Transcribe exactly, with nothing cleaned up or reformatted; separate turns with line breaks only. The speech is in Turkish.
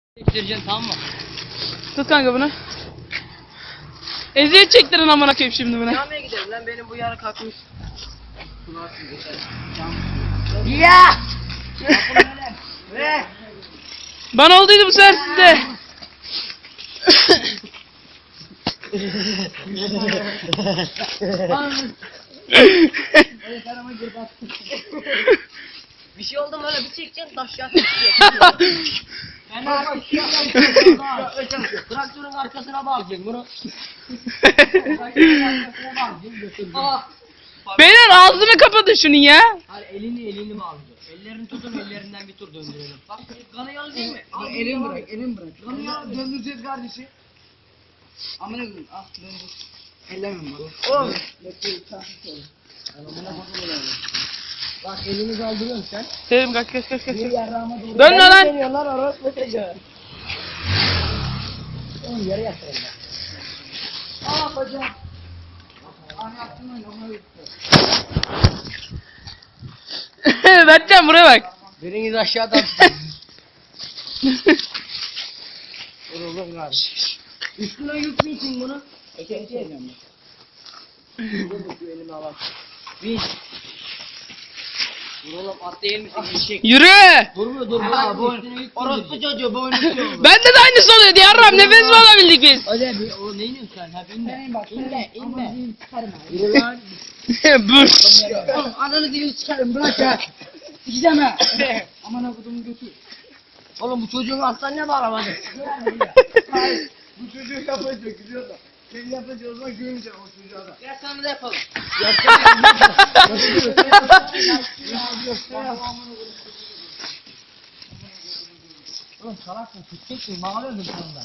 Çektireceksin, tamam mı?
Tut kanka bunu. Eziyet çektirin amına koyayım şimdi buna.
Camiye gidelim lan, benim bu yarı kalkmış.
Ya! Ve
Bana olduydu bu sefer sizde.
Bir şey oldu mu öyle bir çekeceksin, taş yatacak. Ben artık traktörün arkasına bağlayacaksın bunu. Traktörün arkasına bağlayacaksın, götüreceksin.
Beyler ağzını kapatın şunun ya.
Hayır, elini elini bağlayacaksın. Ellerini tutun, ellerinden bir tur döndürelim. Bak kanı yalı değil mi? Al,
elin bırak, elin bırak.
Kanı yalı.
Döndüreceğiz kardeşi. Amına koyayım. Ah döndür. Ellemiyorum bak. Oğlum.
Bak elini kaldırıyorsun sen.
Dedim kaç kaç kaç kaç.
Bir yarrağıma doğru.
Dönme lan.
Geliyorlar orospu çocuğu. Oğlum yarı yatırın ya.
Ah bacağım. Ah yaptım öyle. Amına koyayım.
Berkcan buraya bak.
Biriniz aşağıdan. Vuruldum kardeş. Üstüne yükleyin bunu. Öteki sevmiyorum ben. Dur elimi alalım. Bir. Vur oğlum, at değil misin? Eşek.
Yürü.
Vurmuyor, dur. Ha, bu orospu çocuğu boynu tutuyor.
Bende de aynısı oluyor diyarram. Nefes mi alabildik biz?
Hadi bir, o ne iniyorsun sen? Ha binme.
Senin bak.
İnme, inme.
Ama bir çıkarma.
Yürü lan.
Burs.
Oğlum ananı değil çıkarım bırak ya. Gideceğim ha. Amına kodumu götür.
Oğlum bu çocuğun alttan ne bağlamadın?
Hayır. Bu çocuğu yapacak gidiyor da. Sen yapacağız o zaman görmeyeceksin o çocuğa da.
Gel sana da yapalım. Oğlum salak mı? Tuteceksin, bağlıyordun sonunda.